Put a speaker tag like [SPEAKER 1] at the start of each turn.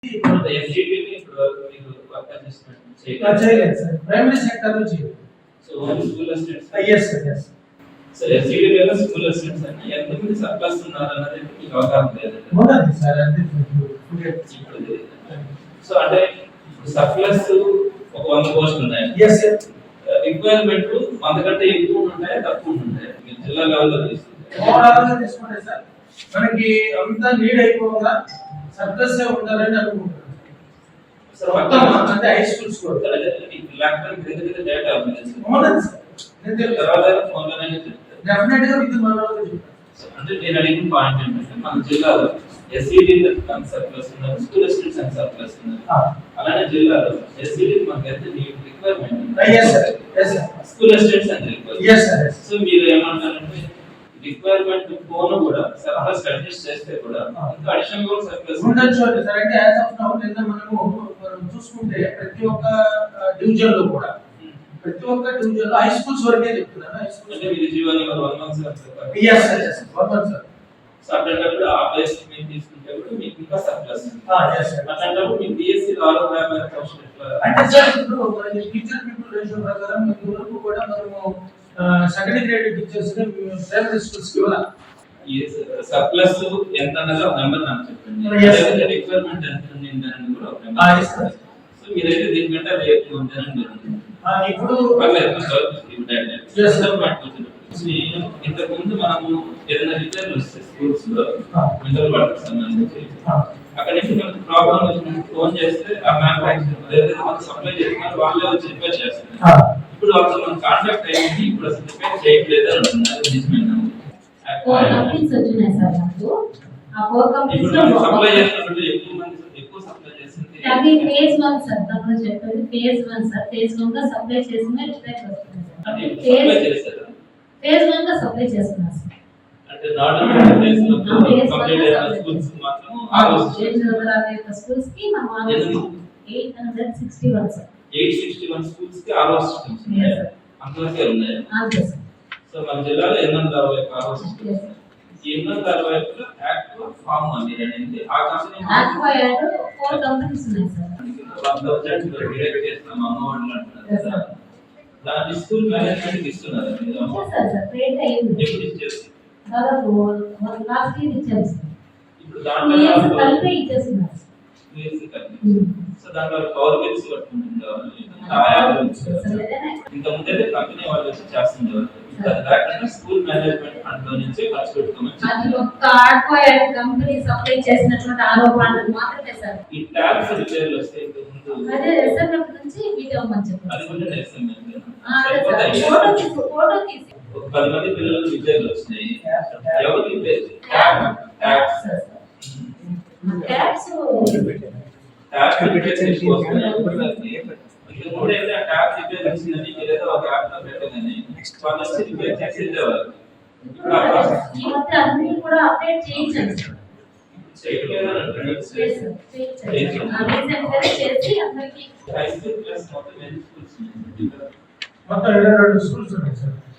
[SPEAKER 1] ఇప్పుడు ఎస్జిటిని ఇప్పుడు మీకు వర్క్ అసిస్టెంట్
[SPEAKER 2] చేయలేదు సార్. ప్రైమరీ సెక్టర్ లో చేయలేదు.
[SPEAKER 1] So only school assistants.
[SPEAKER 2] yes sir, yes.
[SPEAKER 1] So SGT లేదా స్కూల్ అసిస్టెంట్స్ అని ఎంతమంది సర్ప్లస్ ఉన్నారు అన్నది మీకు అవగాహన లేదు.
[SPEAKER 2] ఉన్నది సార్ అంటే
[SPEAKER 1] సో అంటే సర్ప్లస్ ఒక 100 పోస్టులు ఉన్నాయి.
[SPEAKER 2] yes sir.
[SPEAKER 1] రిక్వైర్మెంట్ అంతకంటే ఎక్కువ ఉంటాయి తక్కువ ఉంటాయి. మీరు జిల్లా లెవెల్లో తీసుకుంటే
[SPEAKER 2] ఓవరాల్ గా తీసుకుంటే సార్ మనకి అంతా నీడ్ అయిపోగా సర్ప్లస్ ఉండాలని అనుకుంటున్నాను సార్. మొత్తం అంటే హై స్కూల్స్ కూడా
[SPEAKER 1] ల్యాప్టాప్ దగ్గర డేటా ఉంది
[SPEAKER 2] సార్. నేను
[SPEAKER 1] తర్వాత ఫోన్లోనే చెప్తాను
[SPEAKER 2] డెఫినెట్ గా విత్ మనలో చెప్తాను.
[SPEAKER 1] అంటే నేను అడిగిన పాయింట్ ఏంటంటే మన జిల్లాలో ఎస్ఈడి సర్ప్లస్ ఉన్నారు, స్కూల్ స్టూడెంట్స్ సర్ప్లస్ ఉన్నారు. అలానే జిల్లాలో ఎస్ఈడి మనకి ఎంత రిక్వైర్మెంట్ స్కూల్ స్టూడెంట్స్ అని రిక్వైర్మెంట్. సో మీరు ఏమంటారంటే రిక్వైర్మెంట్ ఫోన్ కూడా సర్ప్లస్ అడ్జస్ట్ చేస్తే కూడా ఇంకా అడిషనల్ కూడా సర్ప్లస్
[SPEAKER 2] ఉండొచ్చు సార్. అంటే యాజ్ ఆఫ్ నౌ నిన్న మనం చూసుకుంటే ప్రతి ఒక్క డివిజన్ లో కూడా ప్రతి ఒక్క డివిజన్ లో హై స్కూల్స్ వరకే చెప్తున్నాను. హై స్కూల్
[SPEAKER 1] అంటే మీరు జీవని 1 month sir.
[SPEAKER 2] yes sir, yes 1 month sir.
[SPEAKER 1] So అట్లాంటప్పుడు ఆ ప్లేస్ మీరు తీసుకుంటే కూడా మీకు ఇంకా సర్ప్లస్.
[SPEAKER 2] yes sir.
[SPEAKER 1] అట్లాంటప్పుడు మీ బిఎస్సి ఆరో ప్రైమరీ పోస్ట్
[SPEAKER 2] అంటే సార్ ఇప్పుడు మనకి టీచర్ పీపుల్ రేషియో ప్రకారం ఈ వరకు కూడా మనము సెకండరీ గ్రేడ్ టీచర్స్ ని ప్రైమరీ స్కూల్స్ కి ఇవ్వాలి.
[SPEAKER 1] yes సర్ప్లస్ ఎంత అన్నది ఒక నెంబర్ నాకు చెప్పండి. రిక్వైర్మెంట్ ఎంత ఉంది అని కూడా ఒక నెంబర్.
[SPEAKER 2] yes sir.
[SPEAKER 1] సో మీరైతే దీనికంటే అది ఎక్కువ ఉందని
[SPEAKER 2] ఇప్పుడు
[SPEAKER 1] ఇంతకు ముందు మనము ఏదైనా రిపేర్లు వస్తే స్కూల్స్ లో మెంటల్ వర్క్ సంబంధించి అక్కడ నుంచి మనకు ప్రాబ్లం వచ్చినప్పుడు ఫోన్ చేస్తే ఆ మ్యానుఫ్యాక్చరర్ ఏదైతే మనకు సప్లై చేస్తున్నారు వాళ్ళే వచ్చి రిపేర్ చేస్తారు. ఇప్పుడు వాళ్ళతో మనం కాంటాక్ట్ అయ్యింది, ఇప్పుడు అసలు రిపేర్ చేయట్లేదు అని అంటున్నారు. నిజమేనా? ఇప్పుడు మనం సప్లై చేసినప్పుడు ఎక్కువ సప్లై చేసింది
[SPEAKER 3] అది ఫేజ్ 1 సార్. తప్పని చెప్పేది ఫేజ్ 1 సార్. ఫేజ్ 1 గా సప్లై చేసిన రిపేర్ వస్తుంది సార్.
[SPEAKER 1] అది సప్లై చేస్తారు.
[SPEAKER 3] ఫేజ్ 1 గా సప్లై చేస్తున్నారు సార్.
[SPEAKER 1] అంటే నాట్ ఫేజ్ లో కంప్లీట్ అయిన స్కూల్స్ మాత్రం
[SPEAKER 3] స్కూల్స్ కి మనం 861 సార్.
[SPEAKER 1] 861 స్కూల్స్ కి ఆర్ఓ సిస్టమ్స్ ఉన్నాయి. అంతవరకే ఉన్నాయి.
[SPEAKER 3] అంతే సార్.
[SPEAKER 1] సో మన జిల్లాలో 860 ఆర్ఓ సిస్టమ్స్. ఈ 860 యాక్టివ్ ఫార్మ్ అని అనేది ఆ కంపెనీ
[SPEAKER 3] అక్వైర్డ్ 4 కంపెనీస్ ఉన్నాయి సార్.
[SPEAKER 1] 1000 డిరైవ్ చేస్తాం అమౌంట్ అంటున్నారు సార్. దాని స్కూల్ మేనేజ్మెంట్ ఇస్తున్నారు మీరు.
[SPEAKER 3] సార్ సార్ క్రియేట్ అయ్యింది.
[SPEAKER 1] ఎప్పుడు ఇచ్చారు?
[SPEAKER 3] దాదాపు లాస్ట్ ఇయర్ ఇచ్చారు సార్.
[SPEAKER 1] ఇప్పుడు దాంట్లో
[SPEAKER 3] కలిపి ఇచ్చేస్తున్నారు.
[SPEAKER 1] సో దాంట్లో పవర్ బిల్స్ కట్టుకుంటుంటారు. ఇంత ముందైతే కంపెనీ వాళ్ళు వచ్చి చేస్తుంటారు. అది కాకుండా స్కూల్ మేనేజ్మెంట్ ఫండ్ లో నుంచి ఖర్చు పెట్టుకోమని
[SPEAKER 3] అది ఒక్క ఆర్కోయర్ కంపెనీ సప్లై చేసినటువంటి ఆరోపణలు మాత్రమే సార్.
[SPEAKER 1] ఈ ట్యాబ్స్ రిపేర్లు వస్తే ఇంత ముందు
[SPEAKER 3] అదే రిజర్వ్ నుంచి వీడియో ఇవ్వమని చెప్పారు.
[SPEAKER 1] అది కూడా చేస్తాం.
[SPEAKER 3] ఫోటో తీసి
[SPEAKER 1] ఒక 10 మంది పిల్లలు రిపేర్లు వచ్చినాయి. ఎవరు రిపేర్? ట్యాబ్స్ రిపేర్ చేసుకోవాలి. ఇది కూడా అయితే ఆ ట్యాబ్ రిపేర్ చేసిందని ఏదో ఒక యాప్ లో పెట్టగానే వాళ్ళు వచ్చి రిపేర్ చేసి వెళ్ళేవారు.
[SPEAKER 3] ఈ మధ్య అన్ని కూడా అప్డేట్ చేయించండి సార్.
[SPEAKER 1] చేయట్లేదు అంటే
[SPEAKER 3] చేసి అందరికి
[SPEAKER 1] హై స్కూల్ ప్లస్ మొత్తం 8 స్కూల్స్ ఉన్నాయి.
[SPEAKER 2] మొత్తం 22 స్కూల్స్ ఉన్నాయి సార్.